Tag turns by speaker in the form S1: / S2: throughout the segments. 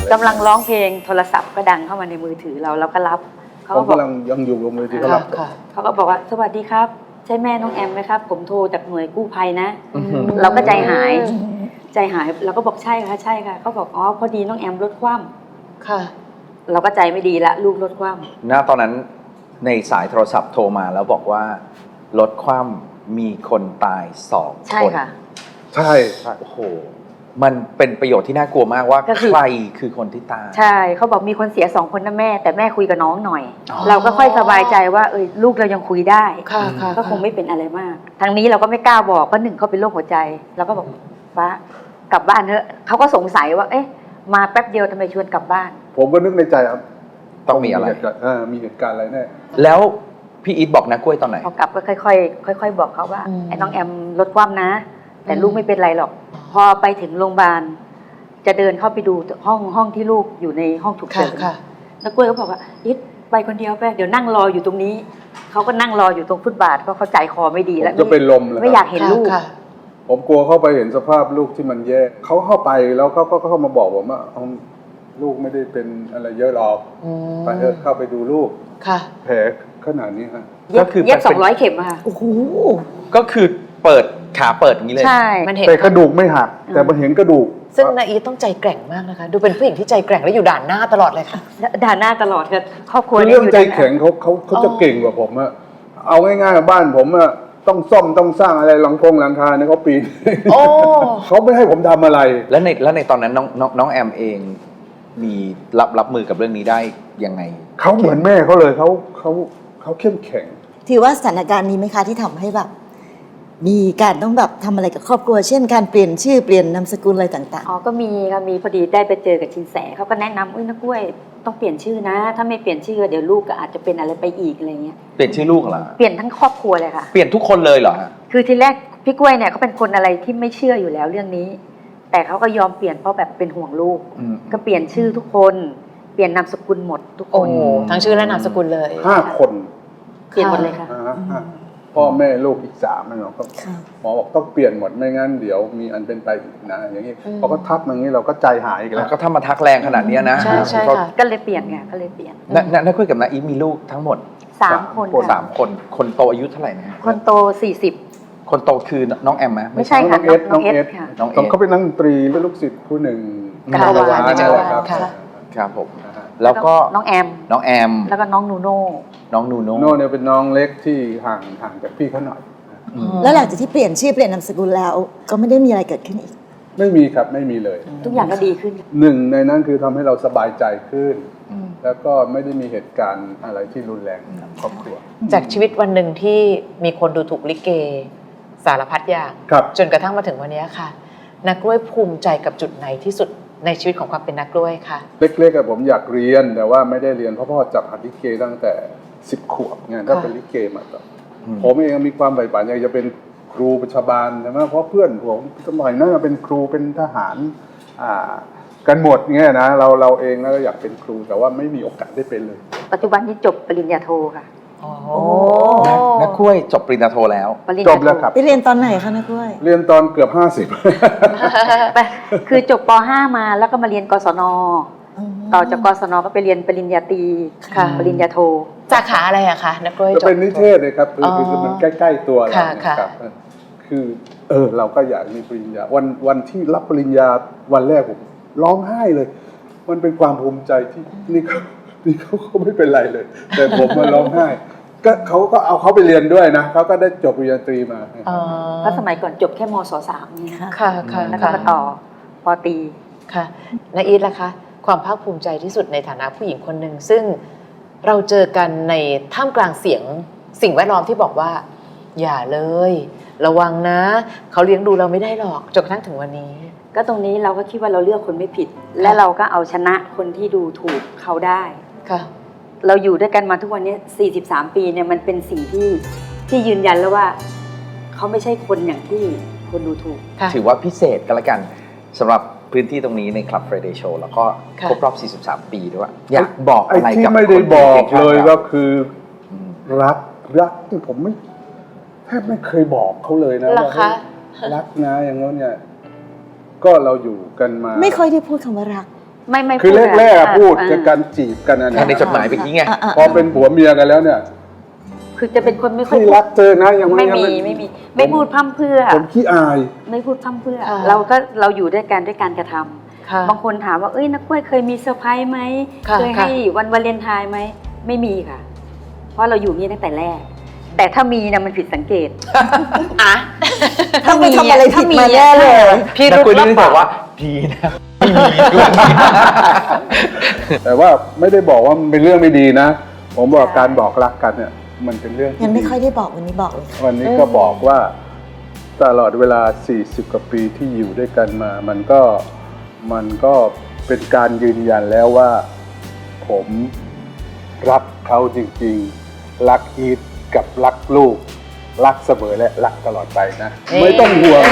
S1: กำลังร้องเพลงโทรศัพท์ก็ดังเข้ามาในมือถือเราก็รับเขา
S2: ผม
S1: ก็บอก
S2: กำลังยังอยู่กับมือถือก็รับ
S1: เขาก็บอกว่าสวัสดีครับใช่แม่น้องแอมไหมครับผมโทรจากหน่วยกู้ภัยนะเราก็ใจหายเราก็บอกใช่ค่ะใช่ค่ะเขาบอกอ๋อพอดีน้องแอมรถคว่ำค่ะเราก็ใจไม่ดีละลูกรถคว่ำ
S3: ณตอนนั้นในสายโทรศัพท์โทรมาแล้วบอกว่ารถคว่ำมีคนตาย2 คนใช่
S1: ค่ะ
S2: ใช่
S3: โอ้โหมันเป็นประโยชน์ที่น่ากลัวมากว่าใครคือคนที่ตาย
S1: ใช่เขาบอกมีคนเสีย2 คนนะแม่แต่แม่คุยกับน้องหน่อยเราก็ค่อยสบายใจว่าลูกเรายังคุยได้ก็คงไม่เป็นอะไรมากทางนี้เราก็ไม่กล้าบอกเพราะ1เขาเป็นโรคหัวใจเราก็บอกฟ้ากลับบ้านเถอะเขาก็สงสัยว่าเอ๊ะมาแป๊บเดียวทำไมชวนกลับบ้าน
S2: ผมก็นึกในใจครับ
S3: ต้องมีอะไร
S2: มีเหตุการณ์อะไรแน่
S3: แล้วพี่อีทบอกนะกล้วยตอนไหน
S1: พอกลับก็ค่อยๆบอกเขาว่าไอ้น้องแอมรถคว่ำนะแต่ลูกไม่เป็นไรหรอกพอไปถึงโรงพยาบาลจะเดินเข้าไปดูห้องที่ลูกอยู่ในห้องฉุกเฉินแล้วกล้วยก็บอกว่าอีทไปคนเดียวไปเดี๋ยวนั่งรออยู่ตรงนี้เขาก็นั่งรออยู่ตรงฟุตบาทเพราะเขาใจคอไม่ดีแล้ว
S2: จะเป็นลมเลย
S1: ไม่อยากเห็นลูก
S2: ผมกลัวเข้าไปเห็นสภาพลูกที่มันแย่เขาเข้าไปแล้วเขาก็เข้ามาบอกผมว่าลูกไม่ได้เป็นอะไรเยอะหรอกไปเถอะเข้าไปดูลูกแผลขนาดนี้ครับ
S3: ก็คือ
S1: เย็บ200 เข็มค่ะ
S3: โอ้โหก็คือเปิดขาเปิดอย่างนี้เลย
S1: ใช่
S2: แต่กระดูกไม่หักแต่มาเห็นกระดูก
S4: ซึ่งนาอีต้องใจแกร่งมากนะคะดูเป็นผู้หญิงที่ใจแกร่งและอยู่ด่านหน้าตลอดเลยค่ะ
S1: ด่านหน้าตลอดค่ะครอบครัว
S2: เรื่องใจแข็งเขาจะเก่งกว่าผมอะเอาง่ายๆบ้านผมอะต้องซ่อมต้องสร้างอะไรหลังคาเนี่ยเขาปีนเขาไม่ให้ผมทำอะไร
S3: แล้วในตอนนั้นน้องแอมเองมีรับมือกับเรื่องนี้ได้ยังไง
S2: เขาเหมือนแม่เขาเลยเขาเข้มแข็ง
S5: ถือว่าสถานการณ์นี้ไหมคะที่ทำให้แบบมีการต้องแบบทำอะไรกับครอบครัวเช่นการเปลี่ยนชื่อเปลี่ยนนามสกุลอะไรต่าง
S1: ๆก็มีค่ะมีพอดีได้ไปเจอกับชินแสเขาก็แนะนำนักกล้วยต้องเปลี่ยนชื่อนะถ้าไม่เปลี่ยนชื่อเดี๋ยวลูกก็อาจจะเป็นอะไรไปอีกอะไรเงี้ย
S3: เปลี่ยนชื่อลูกเหรอ
S1: เปลี่ยนทั้งครอบครัวเลยค่ะ
S3: เปลี่ยนทุกคนเลยเหรอ
S1: คือทีแรกพี่กล้วยเนี่ยเขาเป็นคนอะไรที่ไม่เชื่ออยู่แล้วเรื่องนี้แต่เขาก็ยอมเปลี่ยนเพราะแบบเป็นห่วงลูกก็เปลี่ยนชื่อทุกคนเปลี่ยนนามสกุลหมดทุกคน
S4: ทั้งชื่อและนามสกุลเลย
S2: 5 คน
S1: เปลี่ยนหมดเลยค่ะ
S2: พ่อแม่ลูกอีก3นะเนาะหมอบอกต้องเปลี่ยนหมดไม่งั้นเดี๋ยวมีอันเป็นไปอีกนะอย่างนี้พอก็ทักอย่างนี้เราก็ใจหายอีกแล้ว
S3: ก็ถ้ามาทักแรงขนาดนี้นะ
S4: ใช่ค่ะ
S1: ก็เลยเปลี่ยนไงก็เลยเปลี่ยน
S3: น้าคุยกับน้าอีฟมีลูกทั้งหมด
S1: 3 คน
S3: คนโตอายุเท่าไหร่นะ
S1: คนโต40
S3: คนโตคือน้องแอมไหม
S1: ไม่ใช่ค่ะน้องเอสค่ะ
S2: น้องเขาเป็นนักดนตรีและลูกศิษย์ผู้หนึ่ง
S1: กาวาน
S2: นี่แหละครับ
S3: ครับผมแล้วก็
S1: น้องแอมแล้วก็น้องนูโน่
S2: เนี่ยเป็นน้องเล็กที่ห่างจากพี่เขาหน่อย
S5: แล้วหลังจากที่เปลี่ยนชื่อเปลี่ยนนามสกุลแล้วก็ไม่ได้มีอะไรเกิดขึ้นอีก
S2: ไม่มีครับไม่มีเลย
S1: ทุกอย่างก็ดีขึ้น
S2: ในนั้นคือทำให้เราสบายใจขึ้นแล้วก็ไม่ได้มีเหตุการณ์อะไรที่รุนแรงกับครอบครัว
S4: จากชีวิตวันหนึ่งที่มีคนดูถูกลิเกสารพัดอย่างจนกระทั่งมาถึงวันนี้ค่ะนักกล้วยภูมิใจกับจุดไหนที่สุดในชีวิตของความเป็นนักกล้วยค่ะ
S2: เล็กๆผมอยากเรียนแต่ว่าไม่ได้เรียนเพราะพ่อจับหัดลิเกตั้งแต่10 ขวบไงก็เป็นลิเกมาต่อผมเองมีความใฝ่ฝันอยากจะเป็นครูประชาบาลใช่ไหมเพราะเพื่อนผมสมัยนั้นเป็นครูเป็นทหารกันหมดเงี้ยนะเราเองแล้วก็อยากเป็นครูแต่ว่าไม่มีโอกาสได้เป็นเลย
S1: ปัจจุบันนี้จบปริญญาโทค่ะ
S3: นักกล้วยจบปริญญาโทแล้ว
S2: จบแล้วครับ
S5: ไปเรียนตอนไหนคะนักกล้วย
S2: เรียนตอนเกือบ
S1: 50คือจบป.5 มาแล้วก็มาเรียนกศน.ต่อจากกศน.ก็ไปเรียนปริญญาตรีปริญญาโท
S4: สาขาอะไรอะคะนักกล้วย
S2: จะเป็นนิเทศเลยครับคือมันใกล้ๆตัวเราครับคือเราก็อยากมีปริญญาวันที่รับปริญญาวันแรกผมร้องไห้เลยมันเป็นความภูมิใจที่นี่เขาไม่เป็นไรเลยแต่ผมมาร้องไห้ก็เขาก็เอาเขาไปเรียนด้วยนะเขาก็ได้จบปริญญาตรีมา
S1: เพราะสมัยก่อนจบแค่มศ.3นี่
S4: ค่ะ
S1: แล้วก็มาต่อป.ตรี
S4: ค่ะนาอีทล่ะคะความภาคภูมิใจที่สุดในฐานะผู้หญิงคนหนึ่งซึ่งเราเจอกันในท่ามกลางสิ่งแวดล้อมที่บอกว่าอย่าเลยระวังนะเขาเลี้ยงดูเราไม่ได้หรอกจนกระทั่งถึงวันนี้
S1: ก็ตรงนี้เราก็คิดว่าเราเลือกคนไม่ผิดและเราก็เอาชนะคนที่ดูถูกเขาได้
S4: ค่ะ
S1: เราอยู่ด้วยกันมาทุกวันนี้43 ปีเนี่ยมันเป็นสิ่งที่ยืนยันแล้วว่าเขาไม่ใช่คนอย่างที่คนดูถูก
S3: ถือว่าพิเศษกันละกันสำหรับพื้นที่ตรงนี้ใน Club Friday Show แล้วก็ครบรอบ43 ปีด้วยอยากบอกอะไรกับ
S2: ที่ไม่ได้บอกเลยก็คือรักที่ผมแทบไม่เคยบอกเขาเลยนะว่ารักนะอย่างนั้นเนี่ยก็เราอยู่กันมา
S5: ไม่ค่อยได้พูดคำว่ารัก
S1: ไม่
S2: คือ
S1: พูด
S2: แรกๆพูด
S1: อ่า
S2: จะการจีบกันนะ
S3: ในจดหมายเมื่อกี้ไง
S2: พอเป็นผัวเมียกันแล้วเนี่ย
S1: คือจะเป็นคนไม่ค่อย
S2: พี่รักเธอนะยัง
S1: ไม่
S2: ยัง
S1: มีไม่พูดพร่ำเพรื่อ
S2: ผมขี้อาย
S1: ไม่พูดพร่ำเพรื่อ
S4: ค่ะ
S1: เราอยู่ด้วยกันด้วยการกระทำ
S4: ค่ะ
S1: บางคนถามว่าเอ้ยนักกล้วยเคยมีเซอร์ไพรส์ไหม
S4: ค่ะ
S1: เคยให้วันวาเลนไทน์ไหมไม่มีค่ะ เพราะเราอยู่นี่ตั้งแต่แรก แต่ถ้ามีนะมันผิดสังเกต
S4: อ่ะ
S5: ถ้าไม่ทำอะไรผิดมาแน่เลย
S4: พี่
S3: นัก
S4: รุ
S3: คุย
S4: ธ
S3: นี่บอกว่าดีนะไม่มีด้วย
S2: แต่ว่าไม่ได้บอกว่ามันเป็นเรื่องไม่ดีนะ ผมบอกการบอกรักกันเนี่ย มันเป็นเรื่องที่
S5: ยังไม่
S2: ดี
S5: ค่อยได้บอกวันนี้บอกเลยค่ะ
S2: วันนี้ก็บอกว่าตลอดเวลา 40 กว่าปีที่อยู่ด้วยกันมา มันก็เป็นการยืนยันแล้วว่า ผมรักเขาจริงๆ รักอีทกับรักลูก รักเสมอและรักตลอดไปนะ ไม่ต้องห่วง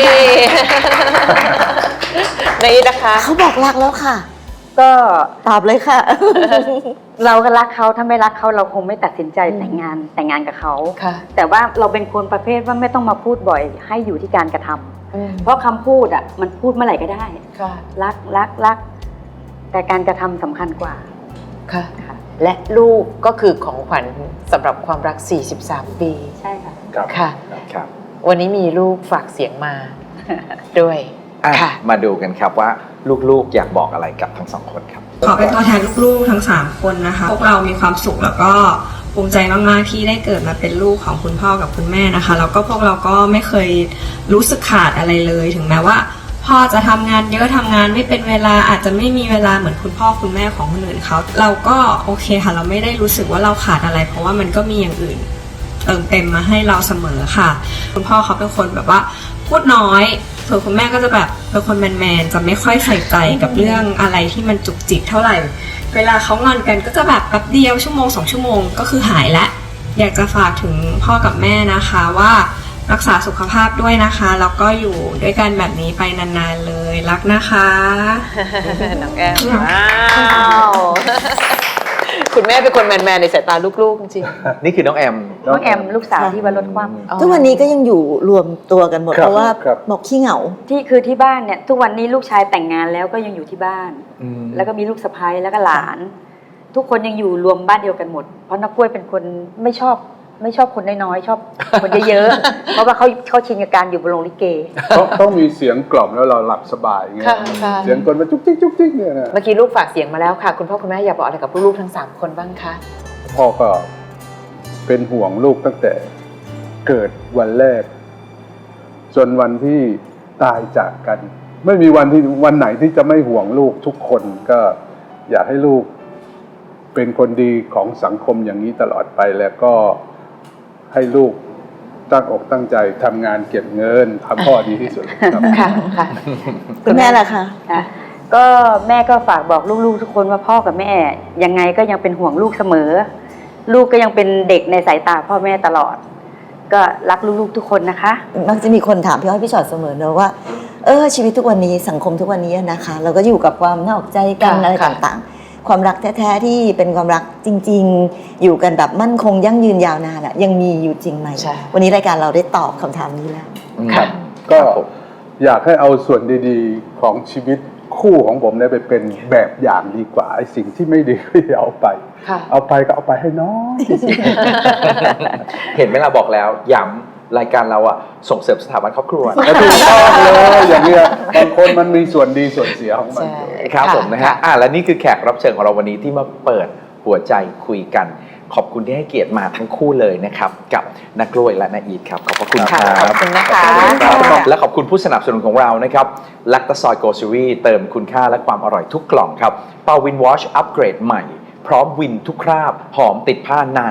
S4: ในอีทนะคะ
S5: เขาบอกรักแล้วค่ะ
S1: ก็
S5: ตอบเลยค่ะ
S1: เราก็รักเขาถ้าไม่รักเขาเราคงไม่ตัดสินใจแต่งงานกับเขา
S4: ค่ะ
S1: แต่ว่าเราเป็นคนประเภทว่าไม่ต้องมาพูดบ่อยให้อยู่ที่การกระทำเพราะคำพูดอ่ะมันพูดเมื่อไหร่ก็ได้
S4: ค่ะ
S1: รักแต่การกระทำสำคัญกว่า
S4: ค่ะ และลูกก็คือของขวัญสำหรับความรัก 43 ปี
S1: ใช่ค่ะ
S2: ครับ
S4: ค่ะ
S3: ครับ
S4: วันนี้มีลูกฝากเสียงมา ด้วย
S3: อ่ะ
S4: ค่ะ
S3: มาดูกันครับว่าลูกๆอยากบอกอะไรกับทั้งสองคนครับ
S6: ขอเป็นตัวแทนลูกๆทั้ง 3 คนนะคะ พวกเรามีความสุขแล้วก็ภูมิใจมากๆที่ได้เกิดมาเป็นลูกของคุณพ่อกับคุณแม่นะคะ แล้วก็พวกเราก็ไม่เคยรู้สึกขาดอะไรเลย ถึงแม้ว่าพ่อจะทำงานเยอะทำงานไม่เป็นเวลาอาจจะไม่มีเวลาเหมือนคุณพ่อคุณแม่ของคนอื่นเขาเราก็โอเคค่ะ เราไม่ได้รู้สึกว่าเราขาดอะไร เพราะว่ามันก็มีอย่างอื่นเติมเต็มมาให้เราเสมอค่ะ คุณพ่อเขาเป็นคนแบบว่าพูดน้อยส่วนคุณแม่ก็จะแบบเป็นคนแมนๆจะไม่ค่อยใส่ใจกับเรื่องอะไรที่มันจุกจิกเท่าไหร่ เวลาเขางอนกันก็จะแบบแป๊บเดียวชั่วโมง2 ชั่วโมงก็คือหายละอยากจะฝากถึงพ่อกับแม่นะคะว่ารักษาสุขภาพด้วยนะคะแล้วก็อยู่ด้วยกันแบบนี้ไปนานๆเลยรักนะคะ
S4: น้องแอมว้าวคุณแม่เป็นคนแมนๆในสายตาลูกๆจริง
S3: นี่คือน้องแอม
S1: น้องแอมลูกสาวที่ว่ารถคว่
S4: ๆ
S5: ทุกวันนี้ก็ยังอยู่รวมตัวกันหมด
S2: ครับ
S5: เพราะว่า
S2: ครับ
S5: บอกขี้เหงา
S1: ำที่บ้านเนี่ยทุกวันนี้ลูกชายแต่งงานแล้วก็ยังอยู่ที่บ้าน แล้วก็มีลูกสะใภ้แล้วก็หลาน ทุกคนยังอยู่รวมบ้านเดียวกันหมด เพราะนักกล้วยเป็นคนไม่ชอบคนน้อยๆชอบคนเยอะๆ เพราะว่าเขาชินกับการอยู่บนโรงลิเก
S2: ต้องมีเสียงกล่อมแล้วเราหลับสบายอย่างเงี้ย
S4: ค่ะ
S2: เสียงคนมาจุกจิกเนี่ยนะ
S4: เมื่อกี้ลูกฝากเสียงมาแล้วค่ะ คุณพ่อคุณแม่อยากบอกอะไรกับลูกๆทั้ง 3 คนบ้างคะ
S2: พ่อก็เป็นห่วงลูกตั้งแต่เกิดวันแรก จนวันที่ตายจากกัน ไม่มีวันไหนที่จะไม่ห่วงลูกทุกคนก็อยากให้ลูกเป็นคนดีของสังคมอย่างนี้ตลอดไปแล้วก็ให้ลูกตั้งอกตั้งใจทำงานเก็บเงินทำพ่อดีที่สุดครับ
S4: ค่ะค่ะ
S5: คุณแม่ล่ะคะ
S1: ค่ะก็แม่ก็ฝากบอกลูกๆทุกคนว่าพ่อกับแม่ยังไงก็ยังเป็นห่วงลูกเสมอ ลูกก็ยังเป็นเด็กในสายตาพ่อแม่ตลอด ก็รักลูกๆทุกคนนะคะ
S5: มักจะมีคนถามพี่อ้อยพี่ชอตเสมอเนอะว่าชีวิตทุกวันนี้สังคมทุกวันนี้นะคะ เราก็อยู่กับความนอกใจกัน
S4: ค่ะ
S5: อะไร
S4: ค่ะ
S5: ต่างๆ ความรักแท้ๆที่เป็นความรักจริง ๆ อยู่กันแบบมั่นคงยั่งยืนยาวนานอะยังมีอยู่จริงไหม
S4: ใช่
S5: วันนี้รายการเราได้ตอบคำถามนี้แล้ว
S3: ครับ
S2: ก็อยากให้เอาส่วนดีๆของชีวิตคู่ของผมเนี่ยไปเป็นแบบอย่างดีกว่าไอ้สิ่งที่ไม่ดีก็อย่าเอาไป
S4: ค่ะ
S2: เอาไปก็เอาไปให้น้อยที่สุด
S3: เห็นไหมล่ะบอกแล้วย้ำรายการเราอะส่งเสริมสถาบันครอบครัว
S2: แล้วถูกต้องเลยอย่างเงี้ยบางคนมันมีส่วนดีส่วนเสียของมัน
S4: ใช่
S2: อยู่
S3: ครับ
S4: ค่ะ
S3: ผมนะฮะ
S4: ค่ะ
S3: และนี่คือแขกรับเชิญของเราวันนี้ที่มาเปิดหัวใจคุยกัน ขอบคุณที่ให้เกียรติมาทั้งคู่เลยนะครับ กับนักกล้วยและนาอีทครับ ขอบพระคุณค
S4: ค่ะ
S3: รับ
S4: ขอบคุณนะคะ
S3: ครับและขอบคุณผู้สนับสนุนของเรานะครับแลคตาซอยโกซูรีเติมคุณค่าและความอร่อยทุกกล่องครับเปาวินวอชอัปเกรดใหม่ พร้อมวินทุกคราบ หอมติดผ้านาน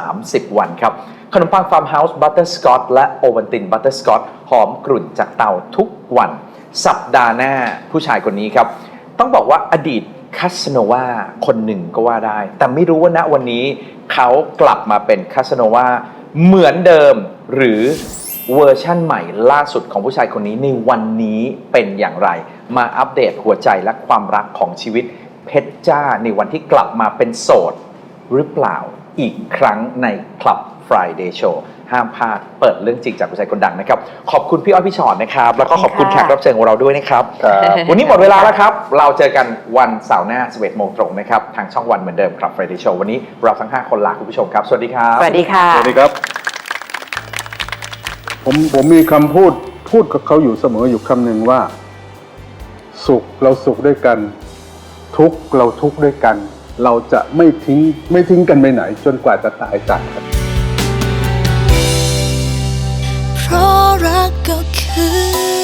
S3: 30 วันครับขนมปังฟาร์มเฮาส์บัตเตอร์สกอตและโอวัลตินบัตเตอร์สกอตหอมกรุ่นจากเตาทุกวัน สัปดาห์หน้าผู้ชายคนนี้ครับ ต้องบอกว่าอดีตคาสโนวาคนหนึ่งก็ว่าได้ แต่ไม่รู้ว่าณวันนี้เขากลับมาเป็นคาสโนวาเหมือนเดิมหรือเวอร์ชั่นใหม่ล่าสุดของผู้ชายคนนี้ในวันนี้เป็นอย่างไร มาอัปเดตหัวใจและความรักของชีวิตเพชรจ้าในวันที่กลับมาเป็นโสดหรือเปล่าอีกครั้งใน Club Friday Show ห้ามพลาดเปิดเรื่องจริงจากผู้ชายคนดังนะครับขอบคุณพี่อ้อยพี่ชอตนะครับแล้วก็ขอบคุณแขกรับเชิญของเราด้วยนะครับ
S2: ครับ
S3: วันนี้หมดเวลาแล้วครับเราเจอกันวันเสาร์หน้า 11 โมงตรงนะครับทางช่องวันเหมือนเดิมครับ Friday Show วันนี้เราทั้ง5คนลาคุณผู้ชมครับสวัสดีครับ
S4: สวัสดีค่ะ
S2: สวัสดีครับ ผมมีคำพูดกับเขาอยู่เสมออยู่คำหนึ่งว่า สุขเราสุขด้วยกัน ทุกข์เราทุกข์ด้วยกัน เราจะไม่ทิ้งกันไปไหน จนกว่าจะตายจากกัน
S7: เพราะรักก็คือ